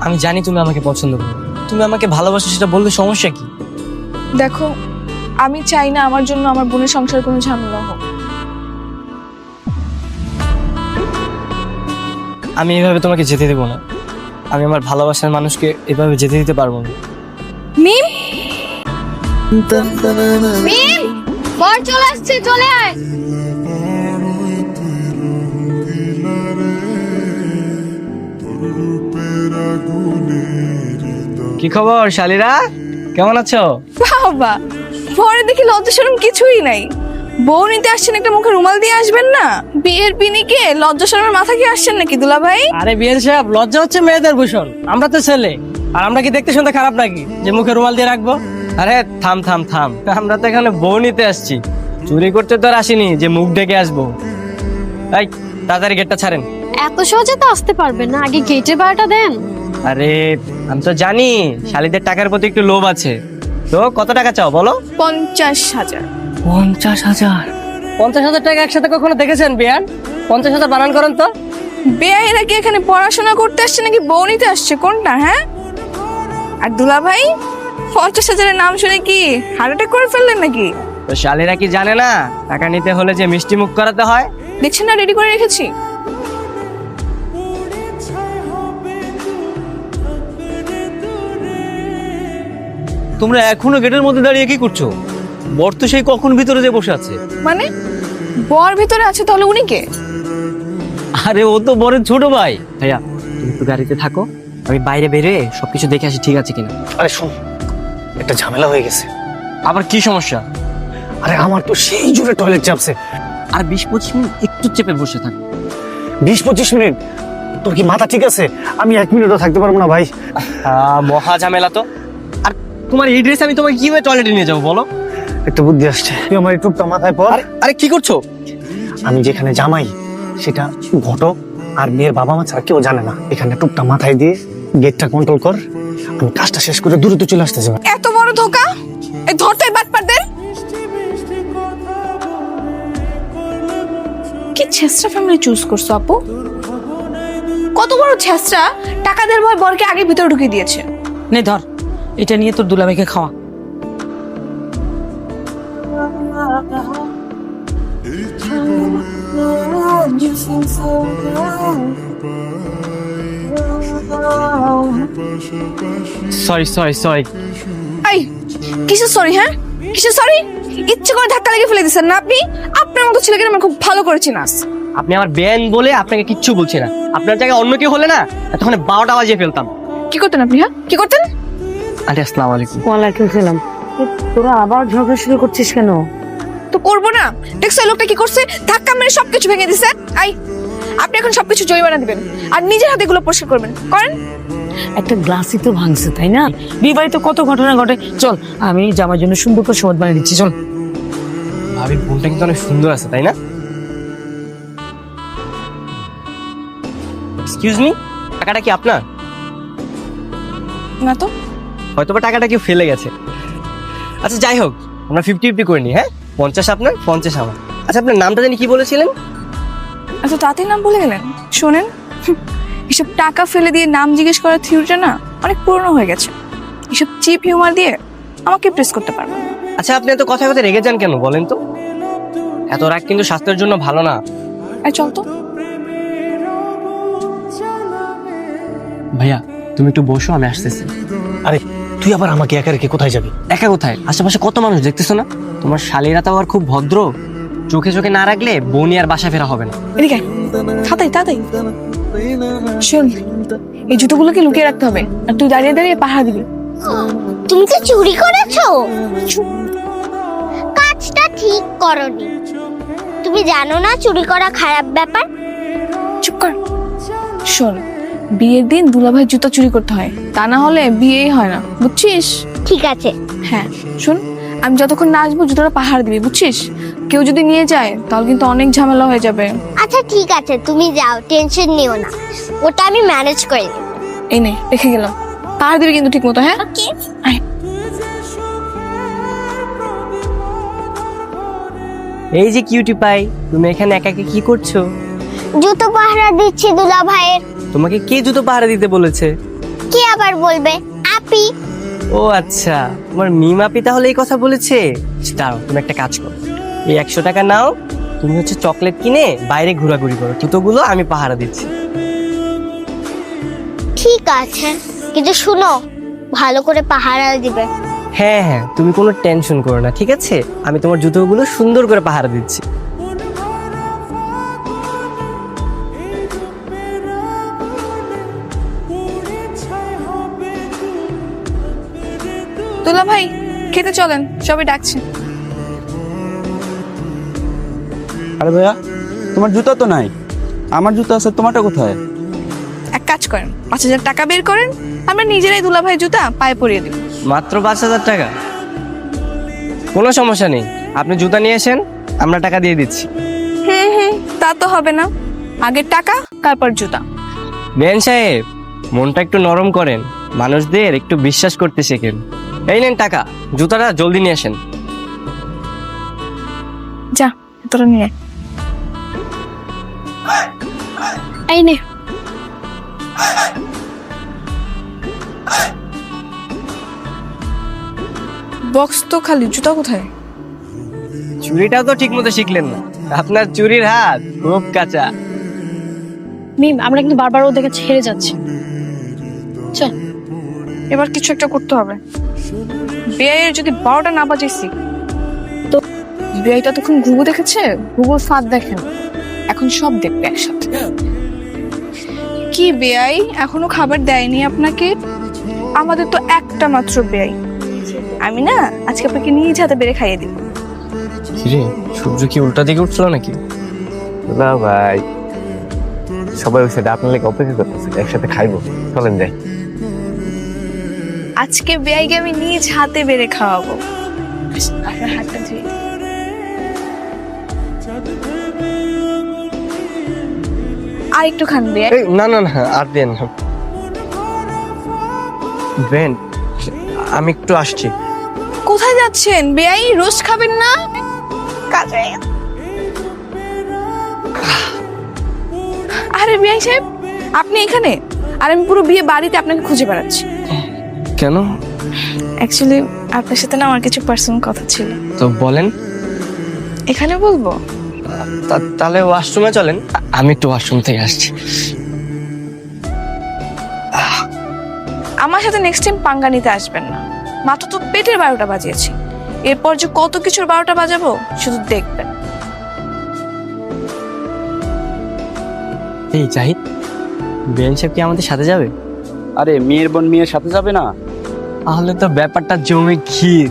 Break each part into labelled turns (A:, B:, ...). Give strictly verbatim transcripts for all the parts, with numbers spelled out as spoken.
A: আমি জানি তুমি আমাকে পছন্দ করো, তুমি আমাকে ভালোবাসো, সেটা বললে সমস্যা কি?
B: দেখো, আমি চাই না আমার জন্য আমার বোনের সংসার কোনো ঝামেলা হোক।
A: আমি এভাবে তোমাকে যেতে দেবো না। আমি আমার ভালোবাসার মানুষকে এভাবে যেতে দিতে পারবো না।
B: মিম মিম বর চলে আসছে, চলে আয়।
A: কি খবর শালিরা, কেমন আছো?
B: বাবা, পরে দেখি লজ্জা শরম কিছুই নাই। বউ নিতে আসছেন, একটা মুখে রুমাল দিয়ে আসবেন না? বিয়ের পিনিকে লজ্জা শরমের মাথা কি আসছেন নাকি দুলা ভাই?
A: আরে বিয়ের সাহেব, লজ্জা হচ্ছে মেয়েদের ভূষণ। আমরা তো ছেলে, আর আমরা কি দেখতে শুনতে খারাপ নাকি যে মুখে রুমাল দিয়ে রাখবো? আরে থাম থাম থাম, আমরা তো এখানে বউ নিতে আসছি, চুরি করতে তো আর আসিনি যে মুখ ডেকে আসবো। এই তাড়াতাড়ি গেটটা ছাড়েন।
C: এত সহজে তো আসতে পারবেন না, আগে গেটের ভাড়াটা দেন।
A: আরে আমি তো জানি শালিদের টাকার প্রতি একটু লোভ আছে, তো কত টাকা চাও বলো?
B: পঞ্চাশ হাজার।
A: পঞ্চাশ হাজার? পঞ্চাশ হাজার টাকা একসাথে কখনো দেখেছেন বিয়ান? পঞ্চাশ হাজার বানান করেন তো।
B: বেয়াইরা কি এখানে পড়াশোনা করতে আসছে নাকি বউ নিতে আসছে, কোনটা? হ্যাঁ, আর দুলা ভাই পঞ্চাশ হাজারের নাম শুনে কি হার্ট অ্যাটাক করে ফেললেন নাকি?
A: তো শালিরা কি জানে না টাকা নিতে হলে যে মিষ্টি মুখ করাতে হয়?
B: দেখছেন না, রেডি করে রেখেছি।
D: তোমরা এখনো গেটের মধ্যে দাঁড়িয়ে কি করছো? বর তো সেই কখন ভিতরে যে বসে আছে।
B: মানে বর ভিতরে আছে, তাহলে উনি কে?
D: আরে ও তো বরের ছোট ভাই।
A: ভাইয়া তুমি একটু গাড়িতে থাকো, আমি বাইরে বেরিয়ে সবকিছু দেখে আসি, ঠিক আছে কিনা?
E: আরে শোন, একটা ঝামেলা হয়ে গেছে।
A: আবার কি সমস্যা?
E: আরে আমার তো সেই জোরে টয়লেট চাপছে।
A: আর বিশ পঁচিশ মিনিট একটু চেপে বসে থাক।
E: বিশ পঁচিশ মিনিট? তোর কি মাথা ঠিক আছে? আমি এক মিনিটও থাকতে পারবো না ভাই।
A: আহ, মহা ঝামেলা তো। আর তোমার এই ড্রেস আমি তোমাকে কিভাবে টয়লেটে নিয়ে যাবো বলো?
E: একটা বুদ্ধি আসছে, তুই আমার এই টুপটা মাথায় পর।
A: আরে কি করছো?
E: আমি যেখানে জামাই সেটা ঘটক আর মেয়ের বাবা মা ছাড়া কেউ জানে না। এখানে টুপটা মাথায় দিয়ে গেটটা কন্ট্রোল কর, আমি কাজটা শেষ করে দ্রুত চলে আসতে যাবো।
B: এত বড় ধোকা! এই ধরতে বাটপারদের কি ছেসরা ফ্যামিলি চুজ করছো আপু? কত বড় ছেসরা, টাকা দেওয়ার ভয় বরকে আগে ভিতরে ঢুকিয়ে দিয়েছে।
F: নে ধর, এটা নিয়ে তোর দুলাভাইকে খাওয়া।
A: Sorry sorry sorry.
B: এই কিসের সরি? হ্যাঁ কিসের সরি? ইচ্ছে করে ধাক্কা লেগে ফেলে দিচ্ছেন না আপনি? আপনার মতো ছেলেকে আমার খুব ভালো করে চিনাস।
A: আপনি আমার বেন বলে আপনাকে কিচ্ছু বলছি না। আপনার জায়গায় অন্য কেউ হলে না তখন বারোটা বাজিয়ে ফেলতাম।
B: কি করতেন আপনি? হ্যাঁ কি করতেন?
A: আরে আসসালামু আলাইকুম।
F: ওয়ালাইকুম সালাম। তোরা আবার ঝগড়া শুরু করছিস কেন?
B: তো করবো না? দেখছো এই লোকটা কি করছে? ধাক্কা মেরে সবকিছু ভেঙে দিছে। আই, আপনি এখন সবকিছু জরিমানা দিবেন আর নিজের হাতে এগুলো পরিষ্কার করবেন। করেন।
F: একটা গ্লাসই তো ভাঙছে, তাই না? বিয়ে বাড়িতে কত ঘটনা ঘটে। চল, আমি জামার জন্য সুন্দর করে সমাজ বানিয়ে দিচ্ছি, চল।
A: ভাবির বোনটা কিন্তু অনেক সুন্দর আছে, তাই না? এক্সকিউজ মি, টাকাটা কি আপনার?
B: না তো।
A: হয়তো বা টাকাটা কেউ ফেলে গেছে। আচ্ছা যাই হোক, আমরা ফিফটি ফিফটি করে নিই। হ্যাঁ, পঞ্চাশ আপনার, পঞ্চাশ আমার। আচ্ছা আপনার নামটা জানি কি বলেছিলেন?
B: এত তাড়াতাড়ি নাম বলে গেলেন? শোনেন, এসব টাকা ফেলে দিয়ে নাম জিজ্ঞেস করার থিওরিটা না অনেক পুরনো হয়ে গেছে। এসব চিপ হিউমার দিয়ে আমাকে প্রেস করতে পারবেন না।
A: আচ্ছা আপনি এত কথা কথা রেগে যান কেন বলেন তো? এত রাগ কিন্তু স্বাস্থ্যের জন্য ভালো না।
B: আর চল তো।
A: ভাইয়া তুমি একটু বসো, আমি আসতেছি।
E: আরে তুই আবার আমাকে একা রেখে কোথায় যাবি?
A: একা কোথায়? আশেপাশে কত মানুষ দেখতেছো না? তোমার শালীরা তো আবার খুব ভদ্র, চোখে চোখে না রাখলে বউনি আর বাসা ফেরা হবে না।
B: এদিকে তাড়াতাড়ি তাড়াতাড়ি। শোন, এই জুতোগুলোকে লুকিয়ে রাখতে হবে আর তুই দাঁড়িয়ে দাঁড়িয়ে পাহারা দিবি।
G: তুমি কি চুরি করেছো? কাজটা ঠিক করনি। তুমি জানো না চুরি করা খারাপ ব্যাপার?
B: চুপ কর। শোন, বিয়ের দিন দুলাভাই জুতো চুরি করতে হয়, তা না হলে বিয়েই হয় না, বুঝছিস?
G: ঠিক আছে।
B: হ্যাঁ শোন, আমি যতক্ষণ না আসবো জুতোটা পাহাড় দিবি, বুঝছিস? কেউ যদি নিয়ে যায় তাহলে কিন্তু অনেক ঝামেলা হয়ে যাবে।
G: আচ্ছা ঠিক আছে, তুমি যাও, টেনশন নিও না, ওটা আমি ম্যানেজ করে নেব।
B: এই নে, রেখে গেলাম। পাহাড় দিবি কিন্তু ঠিক মতো। হ্যাঁ
G: ওকে।
B: আয়।
A: এই যে কিউটি পাই, তুমি এখানে একা একা কি করছো?
G: জুতো পাহারা দিচ্ছি দুলা ভাইয়ের।
A: তোমাকে কে জুতো পাহারা দিতে বলেছে?
G: কে আবার বলবে? আপি।
A: ও আচ্ছা, তোমার মিমাপি তাহলে এই কথা বলেছে। দাঁড়াও, তুমি একটা কাজ করো, এই একশো টাকা নাও, তুমি হচ্ছে চকলেট কিনে বাইরে ঘোরাঘুরি করো, জুতোগুলো আমি পাহারা দিচ্ছি।
G: ঠিক আছে, কিন্তু শুনো, ভালো করে পাহারা দিবে।
A: হ্যাঁ হ্যাঁ, তুমি কোনো টেনশন করো না, ঠিক আছে? আমি তোমার জুতোগুলো সুন্দর করে পাহারা দিচ্ছি।
B: দুলা ভাই, খেতে চলেন, সবাই ডাকছে।
H: আরে ভাইয়া, তোমার জুতা তো নাই, আমার জুতা আছে, তোমারটা কোথায়?
B: এক কাজ করেন, পাঁচ হাজার টাকা বের করেন, আমরা নিজেরাই দুলা ভাই জুতা পায়ে পরিয়ে দিব।
A: মাত্র পাঁচ হাজার টাকা? কোনো সমস্যা নেই, আপনি জুতা নিয়ে আসেন, আমরা টাকা দিয়ে দিচ্ছি।
B: হুম হুম, তা তো হবে না, আগে টাকা তারপর জুতা।
A: বেন সাহেব, মনটা একটু নরম করেন, মানুষদের একটু বিশ্বাস করতে শেখেন। এই নেন টাকা, জুতাটা জলদি নিয়ে আসেন।
B: যা, তোরা নিয়ে আয়।
C: এই নে।
B: বক্স তো খালি, জুতা কোথায়?
A: চুরিটাও তো ঠিক মতো শিখলেন না, আপনার চুরির হাত খুব কাঁচা।
C: মিম, আমরা কিন্তু বারবার ও দেখে ছেড়ে যাচ্ছি। চল।
B: এবার কিছু একটা করতে হবে। বিয়ের যদি বারোটা না বাজাইছি তো বিয়েটা তখন ঘুঘু দেখেছে, ঘুঘুর ফাঁদ দেখেন, এখন সব দেখবে একসাথে। কি বেয়াই, এখনো খাবার দেয়নি আপনাকে? আমাদের তো একটা মাত্র বেয়াই, আমি না আজকে আপনাকে নিজ হাতে বেড়ে খাইয়ে দিব।
A: কিরে, সূর্য কি উল্টা দিকে উঠছিল নাকি?
I: না ভাই, সবাই ওই সাইডে আপনার লেগে অপেক্ষা করতেছে, একসাথে খাইবো, চলেন যাই।
B: আজকে বেয়াইকে আমি নিজ হাতে বেড়ে খাওয়াবো। আপনার হাতটা ধুয়ে দিন। আর একটু খান বেয়াই।
A: এই, না না না, আর দেন না। বেন, আমি একটু আসছি।
B: কোথায় যাচ্ছেন বেয়াই? রোস্ট খাবেন না? কাজে। আরে বেয়াই সাহেব, আপনি এখানে? আর আমি পুরো বিয়ে বাড়িতে আপনাকে খুঁজে বেড়াচ্ছি।
A: কেন?
B: অ্যাকচুয়ালি আপনার সাথে না আমার কিছু পার্সোনাল কথা ছিল।
A: তো বলেন।
B: এখানে বলবো?
A: তা- তাহলে ওয়াশরুমে চলেন, আ- আমি একটু ওয়াশরুম থেকে আসছি।
B: আমার সাথে নেক্সট টাইম পাঙ্গা নিতে আসবেন না, মাত্র তো পেটের বারোটা বাজিয়েছি, এরপর যে কত কিছুর বারোটা বাজাবো শুধু দেখবেন।
A: এই জাহিদ, বেন সাহেব কি আমাদের সাথে যাবে?
H: আরে মেয়ের বোন মেয়ের সাথে যাবে না?
A: তাহলে তো ব্যাপারটা জমে ক্ষীর।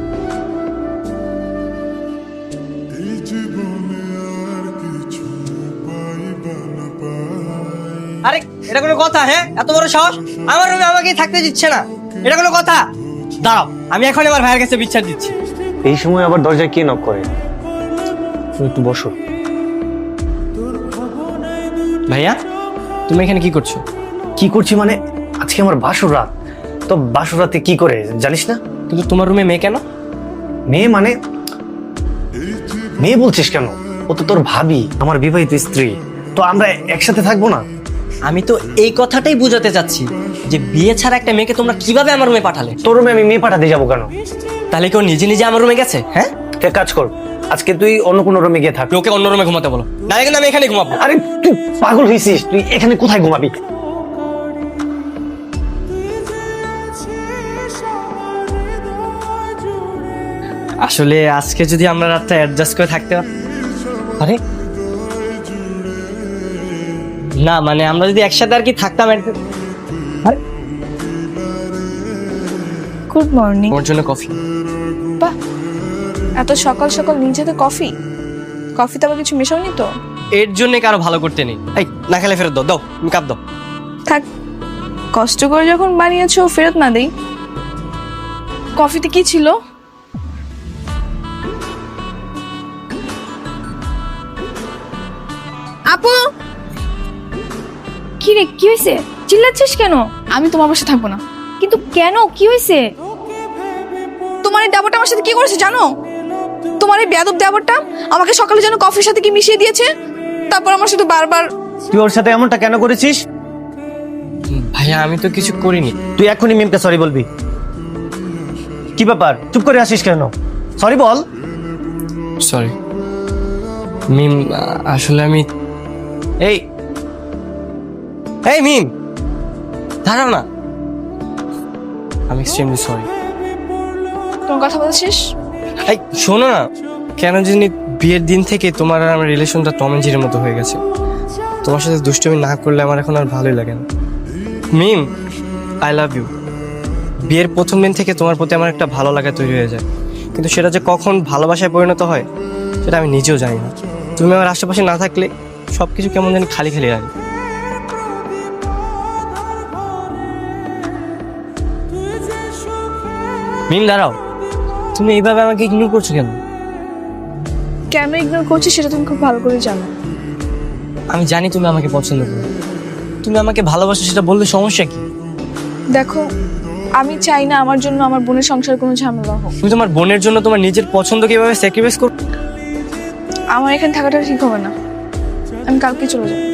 A: আরে এটা কোনো কথা? হ্যাঁ, এত বড় সাহস, আমার রুমে আমাকে থাকতে দিচ্ছে না, এটা কোনো কথা? দাঁড়াও, আমি এখন আমার ভাইয়ের কাছে বিচার দিচ্ছি।
E: এই সময় আবার দরজায় কে নক করে? তুমি একটু বসো।
A: ভাইয়া, তুমি এখানে কি করছো?
E: কি করছি মানে, আজকে আমার বাসর রাত। তো বাসর রাতে কি করে জানিস না?
A: কিন্তু তোমার রুমে মেয়ে কেন?
E: মেয়ে মানে? মেয়ে বলছিস কেন? ও তো তোর ভাবি, আমার বিবাহিত স্ত্রী, তো আমরা একসাথে থাকবো না?
A: আমি তো এই কথাটাই বোঝাতে চাচ্ছি যে বিয়ে ছাড়া একটা মেয়েকে তোমরা কিভাবে আমার রুমে পাঠালে?
E: তোর রুমে আমি মেয়ে পাঠাতে যাবো কেন?
A: তাহলে কেউ নিজে নিজে আমার রুমে গেছে? হ্যাঁ,
E: তুই এক কাজ কর, আজকে তুই অন্য কোনো রুমে গিয়ে থাক।
A: ওকে অন্য রুমে ঘুমাতে বলো, না কিন্তু আমি এখানে ঘুমাবো।
E: আরে তুই পাগল হয়েছিস? তুই এখানে কোথায় ঘুমাবি?
A: আসলে আজকে যদি আমরা রাতটা অ্যাডজাস্ট করে থাকতে পার- আরে না, মানে আমরা যদি একসাথে আর কি থাকতাম। একদম- আরে,
B: গুড মর্নিং।
A: ওর জন্য কফি।
B: বাহ, এত সকাল সকাল নিজেতে কফি? কফিতে আবার কিছু মেশাওনি তো?
A: এর জন্য কারো ভালো করতে নেই। এই, না খেলে ফেরত দাও, দাও তুমি কাপ দাও।
B: থাক, কষ্ট করে যখন বানিয়েছো ফেরত না দেই। কফিতে কি ছিল? আপু,
J: কি রে, কি হয়েছে? চিল্লাচ্ছিস কেন?
B: আমি তোমার বাসায় থাকবো না।
J: কিন্তু কেন, কি হয়েছে?
B: তোমার এই দেবরটা আমার সাথে কি করেছে জানো? তোমার এই বেয়াদব দেবরটা আমাকে সকালে যেন কফির সাথে কি মিশিয়ে দিয়েছে, তারপর আমার সাথে বারবার।
E: তুই ওর সাথে এমনটা কেন করেছিস?
A: ভাইয়া আমি তো কিছু করিনি।
E: তুই এখনই মিমকে সরি বলবি। কি ব্যাপার, চুপ করে আসিস কেন? সরি বল।
A: সরি মিম, আসলে আমি এই এই মিম দাঁড়াও না, আমি এক্সট্রিমলি সরি।
B: তোমার কথা বলছিস?
A: এই শোনো না, কেন জানি বিয়ের দিন থেকে তোমার আর আমার রিলেশনটা টম এন্ড জেরির মতো হয়ে গেছে। তোমার সাথে দুষ্টুমি না করলে আমার এখন আর ভালোই লাগে না। Mim, I love you. বিয়ের প্রথম দিন থেকে তোমার প্রতি আমার একটা ভালো লাগা তৈরি হয়ে যায়, কিন্তু সেটা যে কখন ভালোবাসায় পরিণত হয় সেটা আমি নিজেও জানি না। তুমি আমার আশেপাশে না থাকলে সব কিছু কেমন জানি খালি খালি লাগে। মিম দাঁড়াও, তুমি এইভাবে আমাকে ইগনোর করছো কেন?
B: কেন ইগনোর করছিস সেটা তুমি খুব ভালো করে জানো।
A: আমি জানি তুমি আমাকে পছন্দ করো, তুমি আমাকে ভালোবাসো, সেটা বললে সমস্যা কি?
B: দেখো, আমি চাই না আমার জন্য আমার বোনের সংসার কোনো ঝামেলা হোক।
A: তুমি তোমার বোনের জন্য তোমার নিজের পছন্দ কিভাবে স্যাক্রিফাইস করো?
B: আমার এখানে থাকাটা ঠিক হবে না, আমি কালকে চলে যাবো।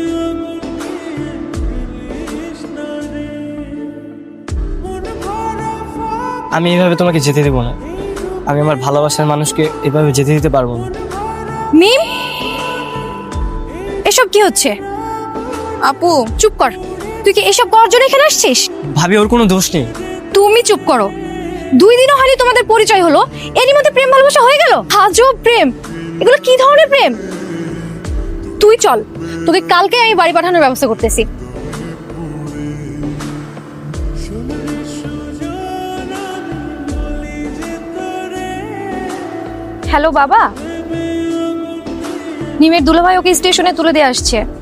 A: আমি এইভাবে তোমাকে যেতে দেবো না। আমি আমার ভালোবাসার মানুষকে এভাবে যেতে দিতে পারবো না।
J: মিম, এসব কি হচ্ছে?
B: আপু
J: চুপ কর। তুই কি এসব করার জন্য এখানে আসছিস?
A: ভাবি ওর কোনো দোষ নেই।
J: তুমি চুপ করো। দুই দিনও হয়নি তোমাদের পরিচয় হলো, এরই মধ্যে প্রেম ভালোবাসা হয়ে গেল? আজব প্রেম, এগুলো কি ধরনের প্রেম? তুই চল, তোকে কালকে আমি বাড়ি পাঠানোর ব্যবস্থা করতেছি। হ্যালো বাবা, নিমের দুলাভাই ওকে স্টেশনে তুলে দিয়ে আসছে।